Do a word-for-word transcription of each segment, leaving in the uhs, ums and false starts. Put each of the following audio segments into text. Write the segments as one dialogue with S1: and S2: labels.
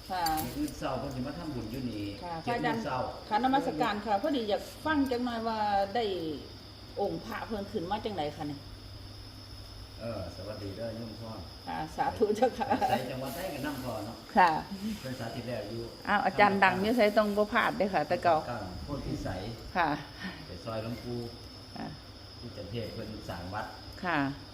S1: ค่ะ
S2: มื้อเช้าเพิ่นสิมาทำบุญอยู่นี่
S1: ค่ะ
S2: เจ็ดโมงเช้า
S1: ค่ะนมัสการค่ะพอดีอยากฟังจังหน่อยว่าได้องค์พระเพิ่นขึ้นมาจังไดคะเนี่ย
S2: เออสวัสดีเด้อโยมพ่อ
S1: ค่ะสาธุเจ้าค่ะ
S2: ใส่จังหวัดใดก็นำพ่อเนาะ
S1: ค่ะ
S2: เพิ่นสาธิตแล้วอยู่
S1: อ้าวอาจารย์ดังนี่ใส่ต้องบ่พลาดเด้อค่ะ แต่เก่า
S2: ก้โพธิสัย
S1: ค่ะ
S2: ไปซอยหลวงปู่
S1: ค่ะ
S2: ที่จันเทศเพิ่นสร้างวัด
S1: ค่ะ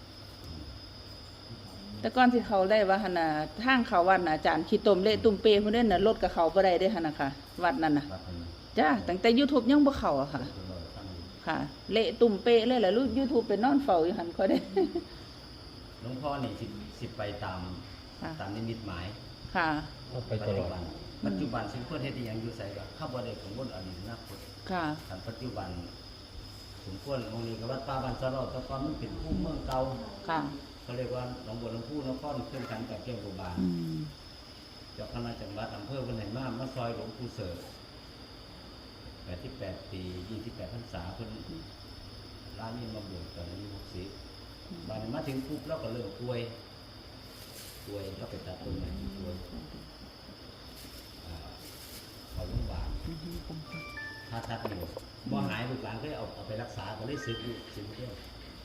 S1: แต่ก่อนที่เขาได้ว่าหั่นน่ะทางเขาวัดน่ะอาจารย์ขี้ตมเละตุ่มเปเพิ่นเด้น่ะรถกับเขาบ่ได้เด้อหั่นน่ะค่ะ วัดนั้นน่ะ
S2: วัดเพิ่น
S1: จ้าตั้งแต่ YouTube ยังบ่เข้าอะค่ะ
S2: เพิ่นบ่ทำอยู่
S1: ค่ะ เละตุ่มเปเลยล่ะลูก YouTube ไปนอนเฝ้าอยู่หั่นค่อยได้
S2: หลวงพ่อนี่สิสิไปตาม
S1: ค่ะ
S2: ตามนิมิตหมาย
S1: ค่ะ
S3: ไป
S2: ปัจ
S3: ตล
S2: จุ
S3: อด
S2: บันปัจจุบันสิ่งเพิ่นเฮ็ดอีหยังอยู่ไสก็ข้าบ่ได้กังวลอดีตอนาคต
S1: ค่ะ
S2: คันปัจจุบันสมควรองค์นี้ก็วัดป่าบ้านสะเลาะแต่ก่อนมันเป็นภูมิเมืองเก่า
S1: ค่ะ
S2: เขาเรียกว่าหนองบัวลำพูนครเครื่องกันกับเกี่ยวกับบาน
S1: อืม
S2: เจ้าคณะจังหวัดอำเภอเพิ่นให้มามาซอยหลวงปู่เสิร์ชแปดสิบแปดปียี่สิบแปดพรรษาเพิ่นร้านนี้มาบวชตอนอายุหกสิบบัดนี้มาถึงปุ๊บเราก็เริ่มป่วยป่วยก็ไปตัดต้นไม้ป่วยอ่าเข้าโรงพยาบาลถ้าตัดอยู่บ่หายลูกหลานก็เลยเอาเอาไปรักษาก็เลยสึกอยู่สึกเดียว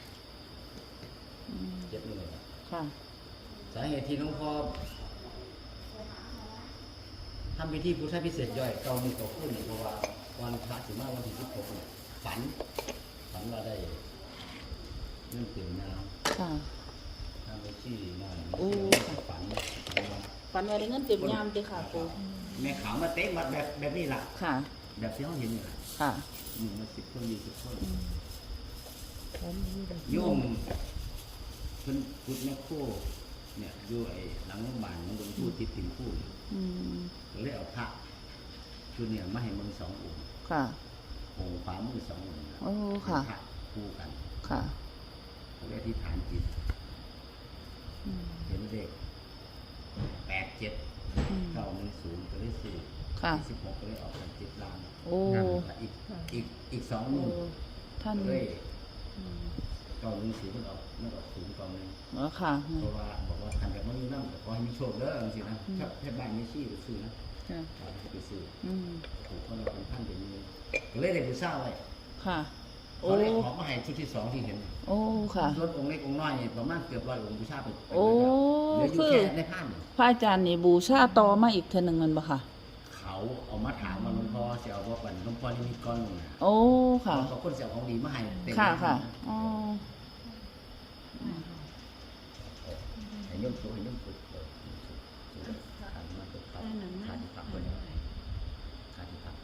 S2: เจ็บเลยครับ
S1: ค่ะ
S2: สาเหตุที่หลวงพ่อทำพิธีพุทธพิเศษย่อยเก้ามือเก้าขึ้นเพราะว่าวันพระสิมาวันที่สิบหกเนี่ยฝันฝันว่าได้เรื่องเต็มน้
S1: ค่ะ
S2: ำทำไปชี้หน่อย
S1: โอ้
S2: ฝัน
S1: ฝันว่าได้เงินเต็มยามติค่ะปู
S2: แม่ขาวมาเตะมาแบบแบบนี้ล่ะ
S1: ค่ะ
S2: แบบที่เขาเห็นนี่ล่ะ
S1: ค่ะ
S2: หนึ่งมาสิบคนยี่สิบคนโยมเพิ่นพุทธแม่โคเนี่ยอยู่ไอ้หลังโรงพยาบาลของหลวงปู่ติดติ่งคู่นี่
S1: อืม
S2: ก็เลยเอาพระชุดเนี่ยมาให้มึงสององค์
S1: ค่ะ
S2: องค์ขวามือสององค์
S1: โอ้ค่ะ
S2: เป็นพระคู่กัน
S1: ค่ะ
S2: เขาเรียกที่ฐานจิต
S1: อืม
S2: เห็นเลขแปดเจ็ด
S1: อืม
S2: เก้าหนึ่งศูนย์ก็เลยสี่
S1: ค่ะ
S2: สิบหกก็เลยออกเป็นจิตลาง
S1: โอ้
S2: อีกอีกอีกสอง
S1: โอ้
S2: มือ
S1: ท่าน
S2: ก็เลย
S1: อืม
S2: เก้าหนึ่งศูนย์มันออกมันออกศูนย์เก้าหนึ่ง
S1: อ๋อค่ะ
S2: เพราะว่าบอกว่าทำแบบไม่มีน้ำแต่ขอให้มีโชคเด้อจริงๆนะ
S1: อืม
S2: ถ้าแค่บ้านไม่ชี้ไปซื้อนะ
S1: ค่ะ
S2: เราจะไปซื้อ
S1: อืม
S2: ถูกคนเราเป็นท่านเป็นมือก็เลยได้ไปเศร้าไว้
S1: ค่ะ โอ้
S2: เขาเลยขอมาให้ชุดที่สองที่เห็น
S1: โอ้ค่ะ
S2: ส่วนองค์เล็กองค์น้อยเนี่ยประมาณเกือบร้อยองค์บูชาไป
S1: โอ้
S2: เหลืออยู่
S1: คือ
S2: แค่ในผ้าเนี่ย
S1: พระอาจารย์นี่บูชาต่อมาอีกเทื่อหนึงแมันบ่ค่ะ
S2: เขาเอามาถามว่าหลวงพ่อเสียเอาว่าปันหลวงพ่อนี่มีก้อนหนึ่งนะ
S1: โอ้ค่ะ
S2: เขาคนเสียของดีมาให้เต็ม
S1: ค่ะค่ะอ๋อ
S2: ให้ยมสุให้ยมสุขาดมาตกตับขาดที่พักคนขาดที่พัก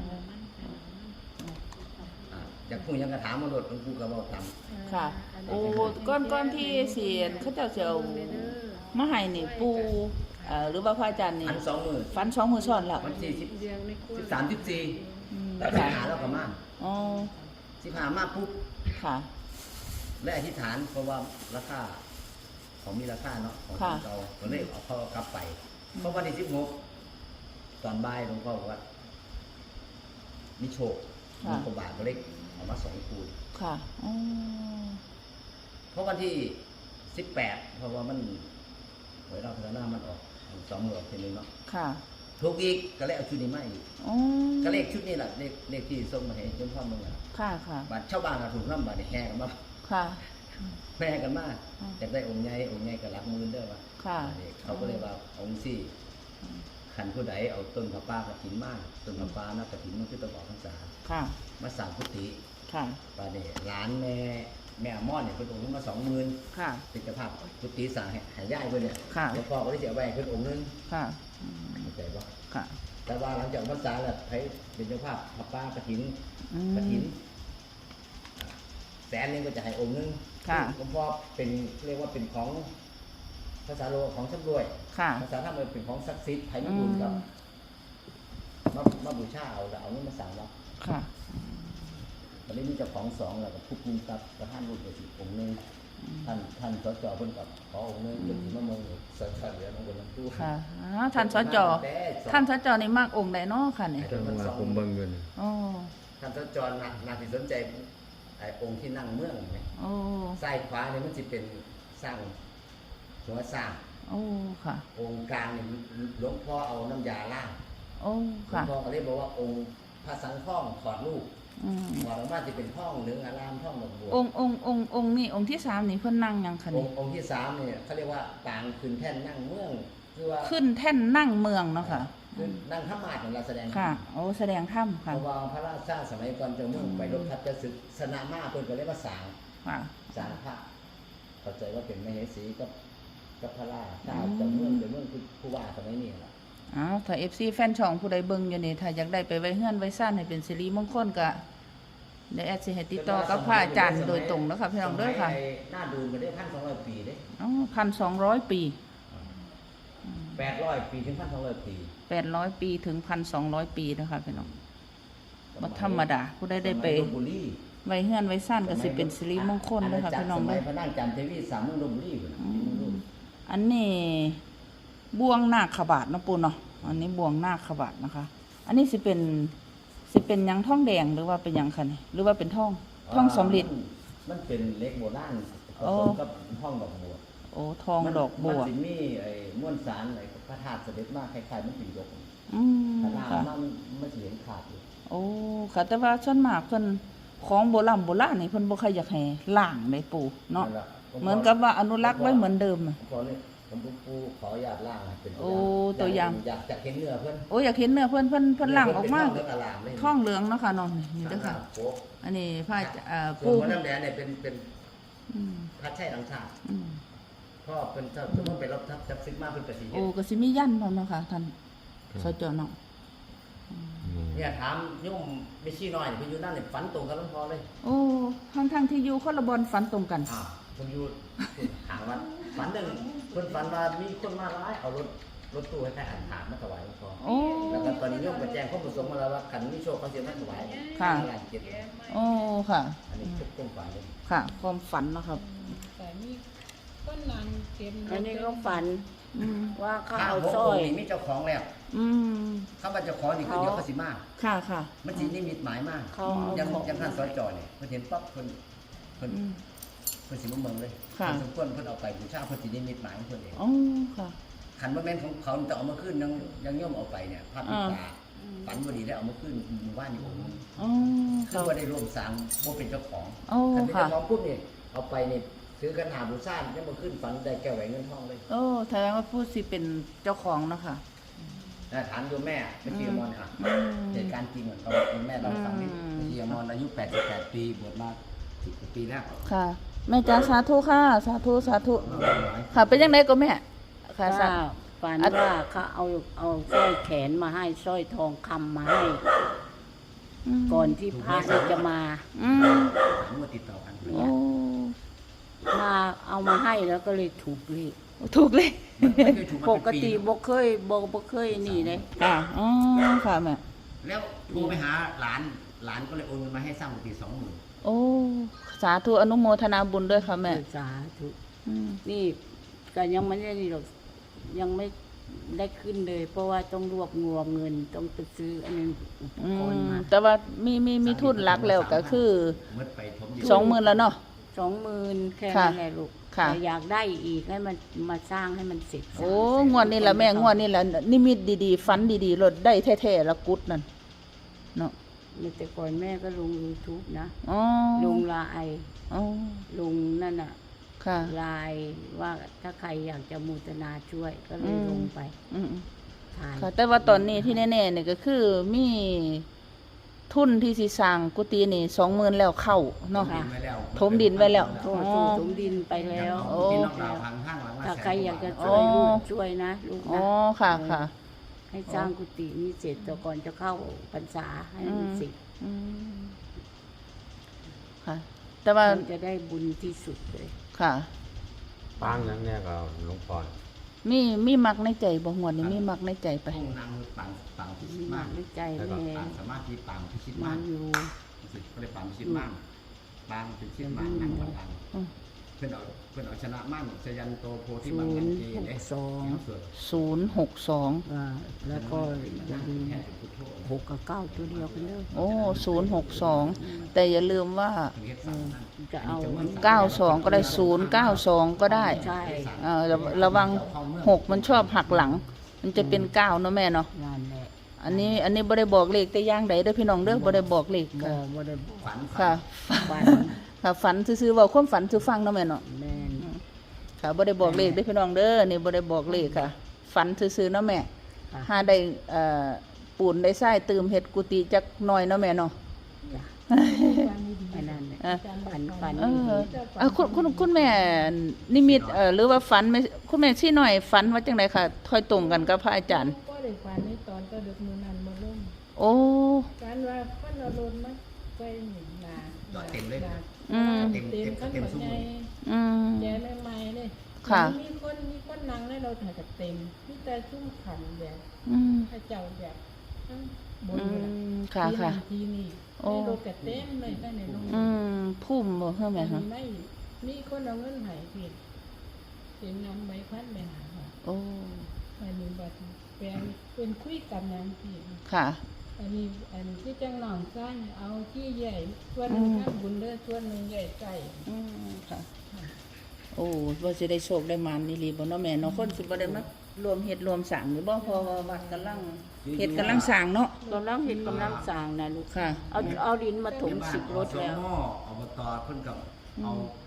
S2: อ่าอยากพูดยังกระถามมาโดดหลวงปู่ก็บอกตาม
S1: ค่ะ โอ้ก้อนก้อนที่เสียนเขาเจ้าสิเอามาให้นี่ปูเอ่อหรือว่าพระอาจารย์นี่
S2: พันสองหมื่น
S1: ฟันสองมือซ้อนแล้ว
S2: วันที่สิบสิบสามสิบสี่
S1: อืม
S2: แล้วสิบ
S1: ค่ะ
S2: หาแล้วก็มา
S1: อ๋อ
S2: สิบหามาปุ๊บ
S1: ค่ะ
S2: และอธิษฐานเพราะว่าราคาของมีราคาเนาะของเราก็เลยเอาเขากลับไปเพราะวันที่สิบหกตอนบ่ายหลวงพ่อบอกว่ามีโชคมีกบาทก็เลยเอามาสองคูณ
S1: ค่ะอ๋อ
S2: เพราะวันที่สิบแปดเพราะว่ามันหวยเราพัฒนามันออกสองหมื่นทีนึงเนาะ
S1: ค่ะ
S2: ถูกอีกก็เลยเอาชุดนี้มาอีก
S1: อ๋อ
S2: ก็เลขชุดนี้แหละเลขเลขที่ส่งมาให้ยมพ่อมึงอ่ะ
S1: ค่ะค่ะ
S2: บัตรชาวบ้านก็ถูกน้ำบัตรแห่กันมา
S1: ค่ะ
S2: แห่กันมา
S1: อืม
S2: อยากได้องค์ใหญ่องค์ใหญ่ก็รักมือเด้อว่า
S1: ค่ะ
S2: เขาก็เลยว่าองค์สี่ขันผู้ใดเอาต้นผ้าป่ากระถินมาต้นผ้าป่านักกระถินมันคือตะบอกพรรษา
S1: ค่ะ
S2: มาสั่งพุทธิ
S1: ค่ะ
S2: ปาเนี่ยหลานแม่แม่อมอนเนี่ยเป็นองค์นึงมาสองหมื่น
S1: ค่ะ
S2: เป็นเจ้าภาพพุทธิสั่งให้หายได้เพื่อนเนี่ย
S1: ค่ะ
S2: แล้วพ่อก็ได้เสียแหวนเพื่อนองค์นึง
S1: ค่ะอืม
S2: เข้าใจปะ
S1: ค่ะ
S2: แต่ว่าหลังจากพรรษาแล้วให้เป็นเจ้าภาพผ้าป่ากระถิน
S1: อื
S2: กระถิน
S1: ม
S2: แสนนึงก็จะให้องค์นึง
S1: ค่ะ
S2: หลวงพ่อเป็นเรียกว่าเป็นของภาษาโลกของชำรวย
S1: ค่ะ
S2: ภาษาธรรมเป็นของศักดิ์สิทธิ์ไทยญี่ปุ่นกับมามาบูชาเอาแล้วเอานี่มาสั่งเรา
S1: ค่ะ
S2: ตอนนี้มีเจ้าของสองแล้วกับทุกมุมกับประธานรูปเดียวสิองค์หนึงท่านท่านสจเพิ่นกับขอองค์หนึงเป็นสีมะมงสจเหลือน้องบนน้ำตู้
S1: ค่ะอ๋อท่านสจท่านสจนี่มากองค์ใดเนาะค่ะเนี่ย
S3: จังหวะผมเบิ่งอยู่นี่
S1: อ๋อ
S2: ท่านสจนานาที่สนใจไอ้องค์ที่นั่งเมืองเห็นไหม
S1: โอ้
S2: ซ้ายขวาเนี่ยมันจะเป็นสร้างหัวสร้าง
S1: อโอ้ค่ะ
S3: องค์กลางเนี่ยหลวงพ่อเอาน้ำยาล้าง
S1: โอ้
S3: หลว
S1: ค่ะ
S3: งพ่อก็เลยบอกว่าองค์พระสังฆท่องถอดลูก
S1: อืม
S3: ถอดออกมาจะเป็นท่องเหลืองอารามท่องดอกบัว
S1: องค์องค์องค์องค์นี่องค์ที่สามนี่เพิ่นนั่งยังคะ
S3: อ
S1: นี่
S3: งค์องค์ที่สามเนี่ยเขาเรียกว่าปางคืนแท่นนั่งเมืองคือว่า
S1: ขึ้นแท่นนั่งเมืองเนาะค่ะ
S3: คือนั่งธรรมาสของเราแสดง
S1: ค่ะ โอ้แสดงถ้ำ
S3: เพ
S1: ค่ะ
S3: ราะว่าพระราชาสมัยก่อนเจ้าเมืองไปรบทัพจะศึกสนามาเพิ่นก็เรียกว่าสาง
S1: ค่ะ
S3: สางพระเข้าใจว่าเป็นมเหสีกับกับพระราชาเจ้าเมืองเจ้าเมืองคือผู้ว่าสมัยนี้ล่ะ
S1: อ้าวถ้า เอฟ ซี แฟนช่องผู้ใดเบิ่งอยู่นี่ถ้าอยากได้ไปไว้เฮือนไว้ซ่านให้เป็นสิริมงคลก็ได้แอดสิให้ติดต่อกับพระอาจารย์โดยตรงแล้วค่ะพี่น้องเด้อค่ะ
S3: สมัยหน้าดูนก็ได้พันสองร้อยปีเด้
S1: อ๋อพันสองร้อยปี
S3: แปดร้อยปีถึงพันสองร้อยปี
S1: แปดร้อยปีถึงพันสองร้อยปีนะคะพี่น้องบ่ธรรมดาผู้ใดได้ไป
S3: สมัยลพบุรี
S1: ไว้เฮือนไว้ซ่านก็สิเป็นสิริมงคลเด้อค่ะพี่น้อง
S3: สมั
S1: เด้
S3: ย
S1: อ
S3: พระนางจันทวีสามเมืองลพบุรีพุ่นน่ะที่เมืองลพ
S1: อันนี้บวงนาคบาทเนาะปูเนาะอันนี้บวงนาคบาทนะคะ อันนี้สิเป็นสิเป็นหยังทองแดงหรือว่าเป็นหยังคะนี่หรือว่าเป็นทองทองสำริด
S3: มันเป็นเหล็กโบราณผ
S1: อ๋อ
S3: สมกับห้องดอกบัว
S1: โอ้ทองดอกบัว
S3: มันสิมีไอ้ม้วนสารไอ้พระธาตุเสด็จมาคล้ายๆมันเป็นยก
S1: อืม
S3: ขนาด
S1: ค่ะ
S3: มันมันสิเห็นขาดอยู่
S1: โอ้ค่ะแต่ว่าส่วนมากเพิ่นของโบราณโบราณนี่เพิ่นบ่ค่อยอยากให้ล้างได้ปูเนาะ
S3: นั่นล่ะ
S1: เหมือนกับว่าอนุรักษ์ไว้เหมือนเดิมอะ
S3: ขอเนี่ยผมปูปูขออนุญาตล่างให้เป็น
S1: โอ้ตัวอย่าง
S3: อยากจะเห็นเนื้อเพิ่น
S1: โอ้อยากเห็นเนื้อเพิ่นเพิ่นเพิ่นล้างออกมา
S3: เนื้ออลามเลย
S1: ทองเหลืองเนาะค่ะน้องนี่นี่เด้อค่ะ
S3: โป๊ะ
S1: อันนี้พระเอ่อ
S3: ส่วน
S1: ปู่
S3: หัวน้ำแดงเนี่ยเป็นเป็น
S1: อืม
S3: พระชัยดังชาติ
S1: อืม
S3: พ่อเป็นเจ้าสมมติเป็นรับทัพจับซึกมาเป็นกระสี
S1: โอ้ก็สิมียันพร้อมเนาะค่ะท่านสจเนาะ
S3: เนี่ยถามโยมไม่ชี้น้อยเนี่ยเพิ่นอยู่นั่นเนี่ยฝันตรงกับหลวงพ่อเลย
S1: โอ้ทั้งทั้งๆที่อยู่คนละบอนฝันตรงกัน
S3: อ่าเพิ่นอยู่หางวัดฝันหนึ่งเพิ่นฝันว่ามีคนมาร้ายเอารถรถตู้ให้ใครอ่านถามมาถวายหลวงพ่อ
S1: โอ้
S3: แล้วก็ตอนนี้โยมก็แจ้งข้อมูลสงฆ์มาแล้วว่าคันมีโชคเขาสิมาถวาย
S1: ค่ะ
S3: งานเก็บ
S1: โอ้ค่ะ
S3: อันนี้ทุกคนฝันเลย
S1: ค่ะ ความฝันเนาะครับ
S4: แต่มีก็นางเก็บ
S5: อันนี้ก็ฝัน
S1: อืม
S5: ว่าเขา
S3: พระ
S5: เอา
S3: หก
S5: สร้อ
S3: อง
S5: ย
S3: ค์นี่มีเจ้าของแล้ว
S1: อืม
S3: เขาว่าเจ้าของนี่คือเดี๋ยวเขาสิมา
S1: ค่ะค่ะ
S3: มันสินิมิตหมายมาก
S5: เขาเอา
S3: ยัง
S5: ของ
S3: ยังท่านสจเนี่ยเพิ่นเห็นปั๊บเพิ่นเพิ่น
S1: อืม
S3: เพิ่นสิมาเมืองเลย
S1: ค่ะ
S3: เพิ่นสมควรเพิ่นเอาไปบูชาเพิ่นสินิมิตหมายของเพิ่นเอง
S1: โอ้ค่ะ
S3: ขันว่าแม่นของเขาแต่เอามาขึ้นยังยังย่อมเอาไปเนี่ยภาพติดตาฝันบ่ดีแล้วเอามาขึ้นหมู่บ้านนี่ผม
S1: โอ้
S3: คือ
S1: ค่ะ
S3: ว่าได้ร่วมสร้างบ่เป็นเจ้าของ
S1: โอ้
S3: คันเป็น
S1: ค่ะ
S3: เจ้าของปุ๊บนี่เอาไปนี่ซื้อกันหาบูชายังมาขึ้นฝันได้แก้วแหวนเงินทองเลย
S1: โอ้แสดงว่าผู้สิเป็นเจ้าของเนาะค่ะ
S3: นะถามโยมแม่เป็นเชียมอนค่ะ
S1: อืม
S3: เหตุการณ์จริงเหมือนเขาแม่เราฟังนี่
S1: อืม
S3: เชียมอนอายุแปดสิบแปดปีบวชมาสิบกว่าปีแล้ว
S1: ค่ะ แม่จ๋าสาธุค่ะ สาธุสาธุ ค่ะ เป็นยังไงก็แม่ ค่ะสา
S5: ว่า
S1: ธุ
S5: ฝัน
S1: อัน
S5: ว่าเขาเอาเอาสร้อยแขนมาให้สร้อยทองคำมาให้ ก่อนที่พระนี่จะมา
S1: อืม
S3: ถามว่าติดต่อกัน
S1: โอ้
S5: มาเอามาให้แล้วก็เลยถูกเลข
S1: ถูกเลย
S3: ไม่เคยถูกมา
S5: ป
S3: เป็น
S5: ก
S3: ปี
S5: ติบ่เคยบ่บ่เคยนี่เลย
S1: ค่ะอ๋อค่ะแม่
S3: แล้วโทรไปหาหลานหลานก็เลยโอนเงินมาให้สร้างกุฏิสองหมื่น
S1: โอ้ สาธุอนุโมทนาบุญด้วยค่ะแม่
S5: สาธุ
S1: อืม
S5: นี่ก็ยังไม่ได้นี่หรอกยังไม่ได้ขึ้นเลย เพราะว่าต้องรวบรวมเงินต้องไปซื้ออันนึงอุป
S1: อื
S5: กรณ์
S1: ม
S5: มา
S1: แต่ว่ามีมีมีทุนหลักแล้วก็คือ
S3: เมื่อไปถมดิน
S1: สองหมื่นแล้วเนาะ
S5: สองหมื่นแค่
S1: ค่ะ
S5: นั้นแหละลูก
S1: ค่ะ
S5: แต่อยากได้อีกให้มันมาสร้างให้มันเสร็จ
S1: โอ้งวดนี้ละแม่งวดนี้ละนิมิตดีๆฝันดีๆรถได้แท้ๆละกุดนั่นเนาะ
S5: แต่ก่อนแม่ก็ลง YouTube นะ
S1: อ๋อ
S5: ลงไลน์
S1: อ๋อ
S5: ลงนั่นน่ะ
S1: ค่ะ
S5: ไลน์ว่าถ้าใครอยากจะมูตนาช่วยก็เลย
S1: อืม
S5: ลงไป
S1: อืม
S5: ถ่าย
S1: ค่ะ แต่ว่าตอนนี้ที่แน่ๆเนี่ยก็คือมีทุนที่สิสร้างกุฏินี่สองหมื่นแล้วเข้าเนาะ
S3: ดินไว้แล้ว
S1: ถมดินไว้แล้ว
S5: โทษสู่สมดินไปแล้ว
S1: โอ้
S3: ที่นอกดาวทางข้างหลังละ
S5: ถ้า
S3: แสน
S5: ใครอยากจะ
S3: ว่บท
S5: ช่วยลูกช่วยนะลูก
S1: อ๋อ
S5: นะ
S1: ค่ะค่ะ
S5: ให้สร้างกุฏินี้เสร็จแต่ก่อนจะเข้าพรรษาให้มันเสร็จ
S1: อืมค่ะ แต่ว่า
S5: มันจะได้บุญที่สุดเลย
S1: ค่ะ
S6: ปางนั้นเนี่ยก็หลวงพ่อ
S1: มีมีมักในใจบ่หวดนี่มีมักในใจไป
S3: ห้องนางปังปังพิชิ
S5: มี
S3: ต
S5: มาม
S3: าก ก
S5: ด้วยใจ
S3: แล้ว
S5: แม่
S3: ก็ปังสามารถที่ปังพิชิต
S5: มั
S3: มาก
S5: นอยู่
S3: รู้สึกก็เลยปังพิชิตมากปังพิชิตมากนั่งบัลลังก์
S1: อืม
S2: เพิ่นเอาเพิ่นเอาชนะมั่นสยันโตโพธิ
S5: ศู
S2: บัง
S5: น
S2: กัน
S5: ย์
S2: เจ
S5: หก
S2: เด้
S5: สอง
S2: เนาะสวด
S1: ศูนย์หกสอง
S5: อ่าแล้วก็อย่าลืม
S2: แค่พุทโธ
S5: หกกับเก้าตัวเดียวกันเลย
S1: โอ้ศูนย์หกสองแต่อย่าลืมว่า
S2: เพิ่นเฮ็ดสามนั่น
S5: จะเอา
S1: เก้าสองก็ได้ศูนย์เก้าสองก็ได้
S5: ใช่
S1: เอ่อระระวังหกมันชอบหักหลัง มันจะเป็นเก้าเนาะแม่เนาะ
S5: งานแหละ
S1: อันนี้อันนี้บ่ได้บอกเลขแต่อย่างใดเด้อพี่น้องเด้อบ่ได้บอกเลข
S5: บ่
S1: ค่ะ
S5: บ่ได้บอก
S2: ฝัน
S1: ค่ะ
S5: ฝัน
S1: ค่ะฝันซื่อๆเว้าความฝันซื่อฟังเนาะแม่เนาะ
S5: แม่น
S1: ค่ะบ่ได้บอกเลขเด้อพี่น้องเด้อนี่บ่ได้บอกเลขค่ะ ฝันซื่อๆเนาะแม่
S5: ค่ะ
S1: หาได้เอ่อปูนได้ทรายเติมเฮ็ดกุฏิจักหน่อยเนาะแม่เนาะ
S5: อันนั้นแหละ
S1: อ่ะ
S5: ฝันฝัน
S1: เอ
S5: ดี
S1: อเอ่อคุณคุณคุณแม่นิมิตเอ่อหรือว่าฝันไม่คุณแม่ชี้หน่อยฝันว่าจังไดค่ะค่อยตรงกันกับพระอาจารย์
S4: ก็ได้ฝันในตอนก็ดึกมื้อนั้นมาลง
S1: โอ้
S4: การว่าเพิ่นเอารถมาไปหนึ่งนา
S2: จอดเต็มเลย
S4: นา
S1: อืม
S4: เต็มเต็มขั้นหัวใจ
S1: อืม
S4: แกใหม่ๆเลย
S1: ค่ะ
S4: มีคนมีคนนั่งในรถถ่ายกับเต็มมีแต่ชุ่มขันแบบ
S1: อืม
S4: พระเจ้าแบบทั้งบน
S1: อื
S4: เลย
S1: มค่ะค่ะ
S4: ทีนี่
S1: โอ้
S4: ในรถกับเต็มเลยข้างในโรง
S1: อืมพุ่มบ่เฮ้อแม่
S4: อั
S1: ฮะ
S4: นไม่มีคนเอาเงินให้พี่เป็นนำใบพัดไปหาค่ะ
S1: โอ้
S4: อันนี้บัดแปลงเป็นคุยกันนำพี่
S1: ค่ะ
S4: อันนี้อันที่จังหนองสร้างเอาที่ใหญ่ส่วนหนึ่งข้างบุญเด้อส่วนหนึ่งใหญ่ไก่
S1: อืมค่ะ โอ้ว่าสิได้โชคได้มานนี่ลีบ่เนาะแม่เนาะคนสิบ่ได้มารวมเฮ็ดรวมสร้างหรือบ่เพราะว่าวัดกำลังเฮ็ดกำลังสร้างเนาะ
S5: กำลังเห็นกำลังสร้างนะลูก
S1: ค่ะ
S5: เอาเอาดินมาถมสิบรถแล้ว
S2: อสมอบตเพิ่นกับเอา